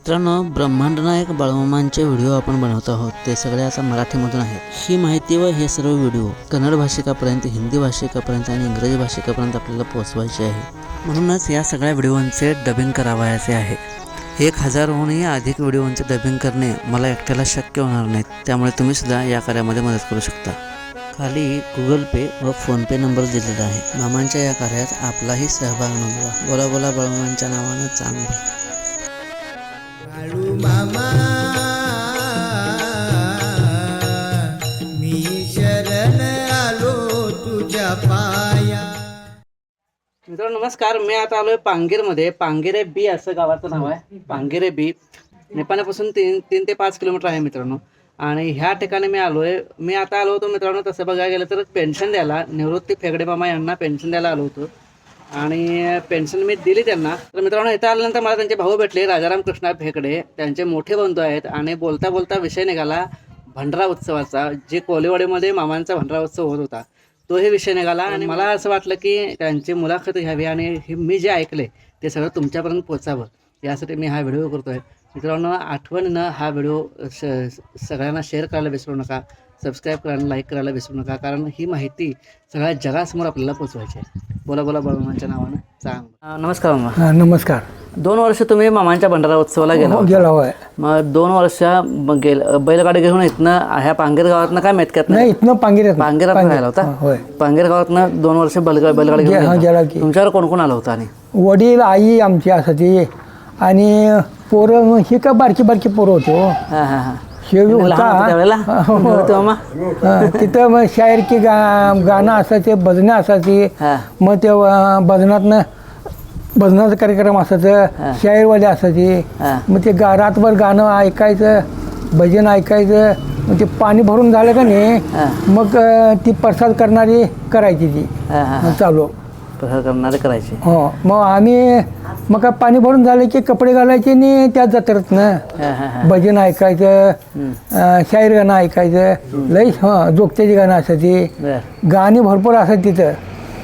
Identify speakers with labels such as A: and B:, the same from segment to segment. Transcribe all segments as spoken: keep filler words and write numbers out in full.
A: मित्रांनो, ब्रह्मांड नायक बाळूमामांचे व्हिडिओ आपण बनवत आहोत. ते सगळे आता मराठीमधून आहेत. ही माहिती व हे सर्व व्हिडिओ कन्नड भाषिकापर्यंत, हिंदी भाषिकापर्यंत आणि इंग्रजी भाषिकापर्यंत आपल्याला पोहोचवायचे आहे. म्हणूनच या सगळ्या व्हिडिओंचे डबिंग करावयाचे आहे. एक हजारहूनही अधिक व्हिडिओंचे डबिंग करणे मला एकट्याला शक्य होणार नाही. त्यामुळे तुम्ही सुद्धा या कार्यामध्ये मदत करू शकता. खाली गुगल पे व फोनपे नंबर दिलेला आहे. मामांच्या या कार्यात आपलाही सहभाग नोंदवा. बोला बोला बाळूमामांच्या नावानं चांगलं.
B: बाळू मामा मी शरण आलो तुझ्या पाया.
C: मित्रांनो नमस्कार, मी आता आलोय पांगीरमध्ये. पांगिरे बी असं गावाचं नाव आहे. पांगिरे बी नेपाळपासून तीन तीन ते पाच किलोमीटर आहे मित्रांनो. आणि ह्या ठिकाणी मी आलोय. मी आता आलो होतो मित्रांनो, तसं बघायला गेलं तर पेन्शन द्यायला, निवृत्ती फेगडे मामा यांना पेन्शन द्यायला आलो होतो. आणि पेन्शन मी दिली त्यांना. तर मित्रांनो इथं आल्यानंतर मला त्यांचे भाऊ भेटले, राजाराम कृष्णा फेकडे. त्यांचे मोठे बंधू आहेत. आणि बोलता बोलता विषय निघाला भंडारा उत्सवाचा. जे कोलेवाडीमध्ये मामांचा भंडारा उत्सव होत होता तो हे विषय निघाला. आणि मला असं वाटलं की त्यांची मुलाखत घ्यावी आणि हे मी जे ऐकले ते सगळं तुमच्यापर्यंत पोचावं, यासाठी मी हा व्हिडिओ करतो आहे. मित्रांनो आठवणीनं हा व्हिडिओ स सगळ्यांना शेअर करायला विसरू नका, सबस्क्राईब करायला, लाईक करायला विसरू नका, कारण ही माहिती सगळ्या जगासमोर आपल्याला पोचवायची आहे. बोला बोला बाळूमामांच्या नावानं चांग. नमस्कार मामा.
D: नमस्कार.
C: दोन वर्ष तुम्ही मामांच्या भंडारा उत्सवाला गेला
D: गेला होय.
C: मग दोन वर्ष गेल बैलगाडी घेऊन इथनं ह्या पांगीर गावातनं काय मेतक्यात
D: नाही, इथनं पांगिऱ्यात
C: पांगीर राहिला होता.
D: होय.
C: पांगीर गावातनं दोन वर्ष बैलगाडी बैलगाडी घेऊन
D: गेला
C: गेला.
D: की
C: तुमच्यावर कोण कोण आलं होतं? आणि
D: वडील, आई आमची असायची आणि पोरं ही का बारकी बारकी पोरं होते हो.
C: हां हां हां
D: हे बी
C: लहान होतं त्यावेळेला?
D: होता
C: नव्हतं मामा?
D: हा, तिथं मग शायर की गा गाणं असायचे, भजनं असायची.
C: हां
D: मग ते अं, भजनातनं भजनाचा कार्यक्रम असायचं, शायरवाले असायचे.
C: हां
D: मग ते गा रातभर गाणं ऐकायचं, भजन ऐकायचं. मग ते पाणी भरून झालं का नाही, मग अं, ती प्रसाद करणारी करायची ती
C: हां हां
D: मग चालू
C: प्रसाद करणारे करायचे.
D: हो. मग आम्ही मग काय पाणी भरून झालं की कपडे घालायचे आणि त्यात जत्रेत ना
C: हां हां हां
D: भजन ऐकायचं, अं, शाहीर गाणं ऐकायचं. लई हां जोगत्याची गाणं असायची,
C: बरं.
D: गाणी भरपूर असायची तिथं.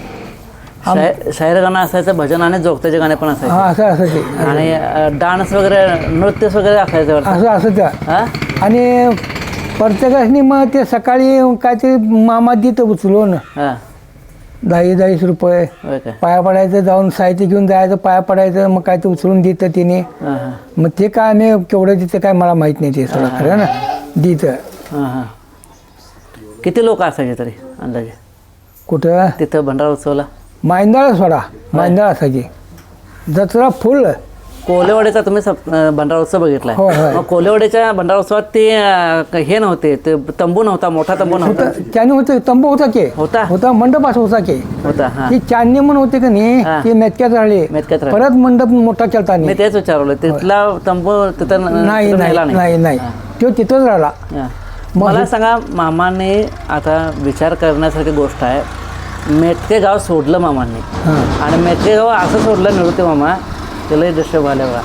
C: शाय- शायर गाणं असायचं, भजन आणि जोगत्याचे गाणे पण असायचे.
D: हा असं असायचे
C: आणि डान्स वगैरे, नृत्य वगैरे असायचं वाटतं.
D: असं असायचं.
C: हां
D: आणि प्रत्येकाने मग ते सकाळी काय ते मामा देतं उचलून
C: हां
D: दहा दहावीस रुपये
C: होय काय?
D: पाया पडायचं, जाऊन साहित्य घेऊन जायचं, पाया पडायचं. मग काय ते उचलून देतं तिने.
C: हां हां
D: मग ते काय आम्ही केवढं देतं काय मला माहीत नाही, ते सगळं खरं ना देतं.
C: हां हां किती लोक असायचे तरी अंदाजे
D: कुठं
C: तिथं भंडारा उत्सवाला?
D: मांदाळ सोडा, मांदाळ असायची. जत्रा फुल.
C: कोलेवाडीचा तुम्ही सप- अं, भंडारा उत्सव बघितलाय?
D: होय, होय.
C: मग कोलेवाडीच्या भंडारा उत्सवात ते अं, हे नव्हते, ते तंबू नव्हता, मोठा तंबू नव्हता?
D: होतं त्याने होतं, तंबू होता की
C: होता
D: होता, मंडप असं होता की.
C: होता. हां
D: ती चांदणी म्हणून होते का नाही,
C: हा.
D: ती मेतक्यात राहिले.
C: मेतक्यात राहिले.
D: परत मंडप मोठा केलता
C: मी
D: नाही.
C: तेच विचारलं, तिथला तंबू तिथं न-
D: नाही
C: तिथं
D: नाही
C: नेला
D: नाही नाही तो तिथंच राहिला.
C: हां. मला सांगा, मामाने आता विचार करण्यासारखी गोष्ट आहे. मेटके गाव सोडलं मामांनी,
D: हां.
C: आणि मेटके गाव असं सोडलं निवृत्ती मामा, त्यालाही दृश्य झालं बघा.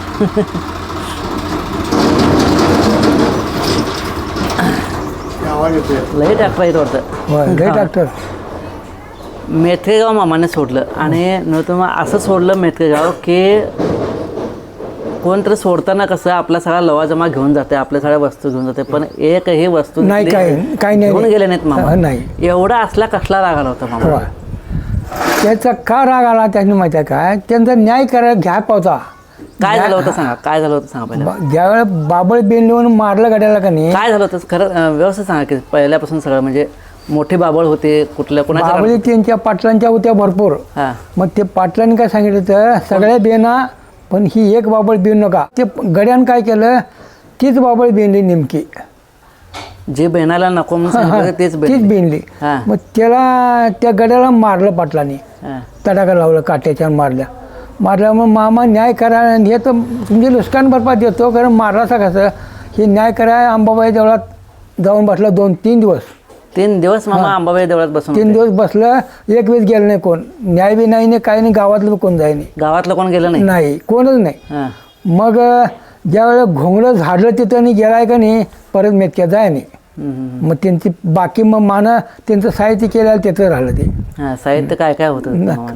C: लई ट्रॅक्टर येत वाटतं.
D: होय, लय डॉक्टर.
C: मेथके गाव मामाने सोडलं आणि निवृत्ती मामा असं सोडलं मेथके गाव की कोणतरी सोडताना कसं आपला सगळा लवाजमा घेऊन जाते, आपल्या सगळ्या वस्तू घेऊन जाते, पण एकही वस्तू
D: नाही,
C: तिथली
D: काय काय नाही
C: घेऊन गेले नाहीत मामा.
D: हा, नाही.
C: एवढा असला कसला राग आला होता मामा?
D: होय. त्याचा का राग आला त्यांनी माहिती आहे काय, त्यांचा न्याय करायला घ्या पावता.
C: काय झालं होतं सांगा, काय झालं होतं सांगा पहिलं.
D: ज्यावेळेला बाबळ बेंडून मारलं गड्याला का नाही,
C: काय झालं होतं खरं अं, व्यवस्थित सांगा की पहिल्यापासून सगळं. म्हणजे मोठे बाबळ होते कुठल्या कोणाच्या?
D: बाबळी त्यांच्या पाटलांच्या होत्या भरपूर.
C: हां
D: मग ते पाटलांनी काय सांगितलं तर सगळ्या बेना, पण ही एक बाबळ बेन नका. ते गड्यानं काय केलं, तीच बाबळ बेनली नेमकी.
C: जे बेनाला नको म्हणून सांगितलं तेच
D: तीच
C: बेन.
D: बेनली.
C: हां
D: मग त्याला त्या गड्याला मारलं पाटलांनी,
C: हां
D: तडाखा लावलं काट्याच्या मारल्या मारल्या मग मामा न्याय करा, हे तर तुमचे नुकसान भरपाई देतो, कारण मारलासा कसं, हे न्याय करा. अंबाबाई देवळात जाऊन बसला दोन तीन दिवस.
C: तीन दिवस मामा अंबाबाई देवळात बसून
D: तीन
C: होते.
D: दिवस बसलं, एक वेळेस गेलं नाही कोण. न्याय बी नाही, नाही काही नाही, गावातलं बी कोण जाय नाही.
C: गावातलं कोण गेलं नाही?
D: नाही, कोणच नाही.
C: हां
D: मग ज्यावेळेला घोंगडं झाडलं तिथं आणि गेलाय का नाही, परत मेतक्यात जाय नाही.
C: हम्म, हम्म.
D: मग त्यांची बाकी मग मानं त्यांचं साहित्य केलं तिथं राहिलं ते.
C: हां साहित्य काय काय होतं मामांचं?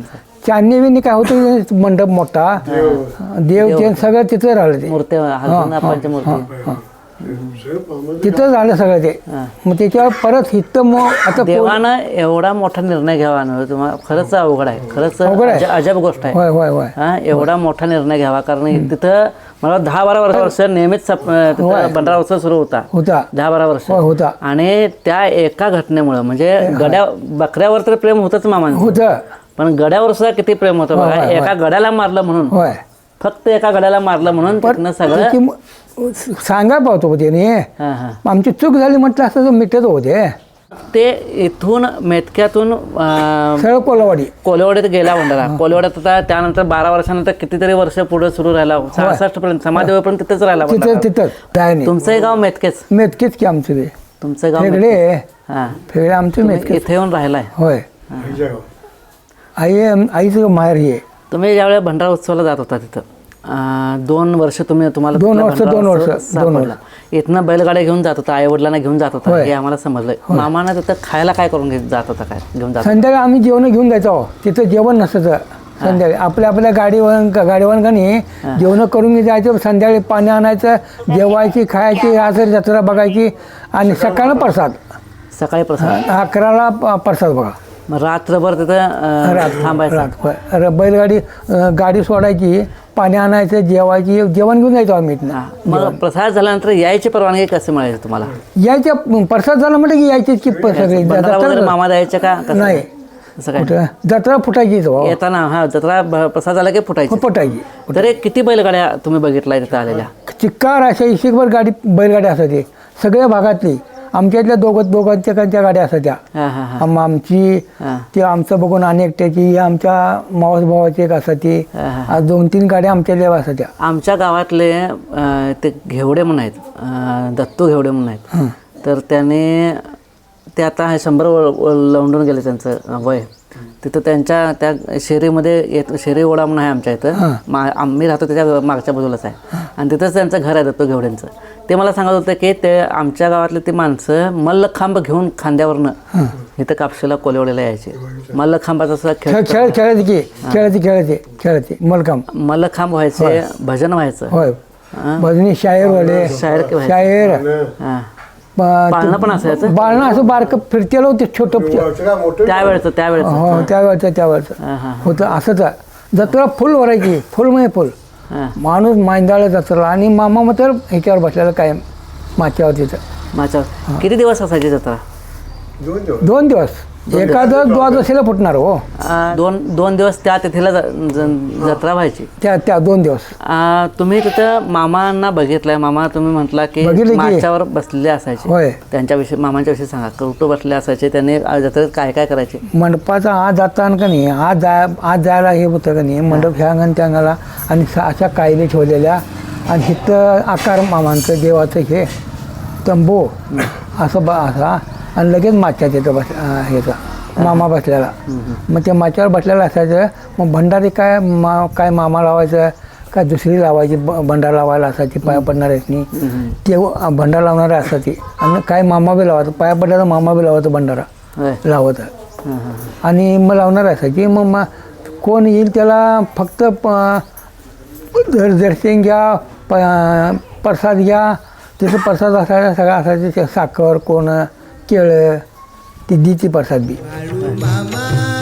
D: चांदणी बिन्नी काय होतं मंडप मोठा देव ते सगळं तिथं राहिलं ते
C: मूर्ती हलगीनापांच्या मूर्ती
D: तिथं झालं सगळं ते मग त्याच्यावर परत हित मग आता पो-
C: देवानं एवढा मोठा निर्णय घ्यावा ना तुम्हाला खरंच अवघड आहे खरंच
D: अवघड आहे.
C: अज- अजब गोष्ट आहे
D: होय होय होय
C: हा एवढा मोठा निर्णय घ्यावा कारण तिथं मला दहा बारा वर्ष वर्ष नेहमीच सप- तिथं भंडारा उत्सव सुरू होता
D: होता
C: दहा बारा वर्ष
D: होय होता
C: आणि त्या एका घटनेमुळं म्हणजे गड्या बकऱ्यावर तर प्रेम होतच मामांचं
D: होतं
C: पण गड्यावर सुद्धा किती प्रेम होतं बघा
D: होय, होय.
C: एका गड्याला मारलं म्हणून
D: होय
C: फक्त एका गड्याला मारलं म्हणून तिथनं सगळं
D: त्याची म- सांगाय पाहतो त्याने
C: हा हा
D: आमची चूक झाली म्हटलं असं तर मिटत होते
C: ते इथून मेतक्यातून अं,
D: सरळ कोलावाडी
C: कोलेवाड्यात गेला भंडारा कोलेवाड्यात होता त्यानंतर बारा वर्षानंतर कितीतरी वर्ष पुढे सुरू राहिला सहासष्ट पर्यंत समाधी पण तिथंच राहिला
D: तिथं
C: भंडारा.
D: तिथं काय नाही
C: तुमचंही गाव मेतकेच
D: मेतकीच की आमचं ते
C: तुमचं गाव
D: फेगडे
C: मेतकेच. हा
D: फेगडे आमचं
C: तुम्ही
D: मेतकीच
C: इथे येऊन राहिलाय
D: होय आई आईचं माहेर हे
C: तुम्ही ज्यावेळेस भंडारा उत्सवाला जात होता तिथं अं, दोन वर्ष तुम्ही तुम्हाला
D: दोन
C: तिथला
D: वर्ष,
C: भंडारा
D: दोन
C: उत्सव
D: वर्ष, दोन
C: सापडला. इथनं बैलगाड्या घेऊन जात होता आई वडिलांना घेऊन जात होता हे आम्हाला समजलंय मामाना तिथं खायला काय करून घेत जात होता काय घेऊन जात होता?
D: संध्याकाळी आम्ही जेवण घेऊन जायचो तिथं जेवण नसायचं संध्याकाळी आपल्या आपल्या गाडीवर गाडीवर का नाही जेवण करून जायचं संध्याकाळी पाणी आणायचं जेवायची खायची असं जत्रा बघायची आणि सकाळला प्रसाद
C: सकाळी प्रसाद
D: अकराला प- प्रसाद बघा
C: मग रात्रभर तिथं अं,
D: रात
C: थांबायचं
D: रात होय. र- बैलगाडी अं, गाडी सोडायची पाणी आणायचं जेवायची जेवण घेऊन जायचो आम्ही इथनं
C: हा. मग प्रसाद झाल्यानंतर यायची परवानगी कशी मिळायची तुम्हाला
D: यायच्या प्रसाद झाला म्हटलं की यायचीच की प- सगळी
C: भंडारा वगैरे
D: जत्रा
C: मामा द्यायचे का कसं
D: नाही.
C: असं काय
D: कुठं जत्रा फुटायची तो
C: येताना हा जत्रा भ- प्रसाद झाला की फुटायची
D: फुटायची
C: तर एक किती बैलगाड्या तुम्ही बघितलाय तिथं आलेल्या
D: चिक्कार अशा इशिकभर गाडी बैलगाडी असायची सगळ्या भागातली आमच्या इथल्या दोघं दोघांच्या कांच्या गाड्या असायच्या
C: हा हा हा
D: आम- आमची
C: हा.
D: ती आमचं बघून अनेकट्याची ही आमच्या मावस भावाची एक असायची
C: हा, हा.
D: आज दोन तीन गाड्या आमच्या लेवा असायच्या
C: आमच्या गावातले अं, ते घेवडे म्हणून आहेत अं, दत्तू घेवडे म्हणून आहेत तर त्याने ते आता हे शंभर व- व- लवंडून गेले त्यांचं अं, वय तिथं त्यांच्या त्या शेरीमध्ये येत शेरी ओढा म्हणून आहे आमच्या इथं मा आम्ही राहतो त्याच्या मागच्या बाजूलाच आहे आणि तिथंच त्यांचं घर आहे दत्तू घेवड्यांचं ते मला सांगत होतं की ते आमच्या गावातले ते माणसं मल्लखांब घेऊन खांद्यावरनं इथं कापशीला कोलेवडीला यायचे मल्लखांबाचा सुद्धा
D: खेळ
C: खेळ
D: खेळ खेळायची की खेळायची खेळायची खेळायची मलकाम
C: मल्लखांब व्हायचे भजन व्हायचं
D: होय भजनी शायर
C: शायर की व्हायचं
D: शायर
C: हां
D: ब-
C: पाळणं पण असायचं
D: बाळणं असं बारकं फिरतेलं होतं छोटं
C: त्यावेळेचं त्यावेळेचं
D: हो त्यावेळचं त्यावेळचं
C: हां हां
D: होतं असंच आहे. जत्रा फुल भरायची फुल म्हणजे फुल
C: हां
D: माणूस मांदाळा जत्रा आणि मामा मात्र ह्याच्यावर बसलेला कायम माच्यावर तिथं
C: माझ्यावर किती दिवस असायची जत्रा
D: दोन दिवस एखादं द्वादशीला फुटणार हो
C: आ, दोन दोन दिवस त्या तिथेला ज- ज- जत्रा व्हायची
D: त्या त्या दोन दिवस
C: आ, तुम्ही तिथं मामांना बघितलंय मामा तुम्ही म्हटला की
D: बघितलं की.
C: माच्यावर बसलेले असायचे
D: होय
C: त्यांच्याविषयी मामांच्या विषयी सांगा कुठं बसले असायचे त्यांनी आ, जत्रेत काय काय करायचे
D: मंडपाचा आज जाताना का नाही आज जाय आज जायला हे होतं का नाही मंडप ह्या अंगण त्या अंगाला आणि स- अशा कायले ठेवलेल्या आणि इथं आकार मामांचं देवाचं हे तंबू असं ब असा आणि लगेच माच्या तिथं बस अं, ह्याचा मामा बसलेला मग त्या माच्यावर बसलेला असायचं मग भंडारी काय मा काय मामा लावायचं काय दुसरी लावायची ब भंडारा लावायला असायची पाया पडणाऱ्यानी ते भंडारा लावणारे असायची आणि काय मामा बी लावायचं पाया पडल्याला मामा बी लावायचं भंडारा
C: होय
D: लावत
C: हां, हां.
D: आणि मग लावणार असायची मग मा कोण येईल त्याला फक्त प- दर दर्शन घ्या प प्रसाद घ्या तिथं प्रसाद असायचा सगळं असायचं ते साखर कोण केळं ती दीची प्रसाद बी
B: बाळू मामा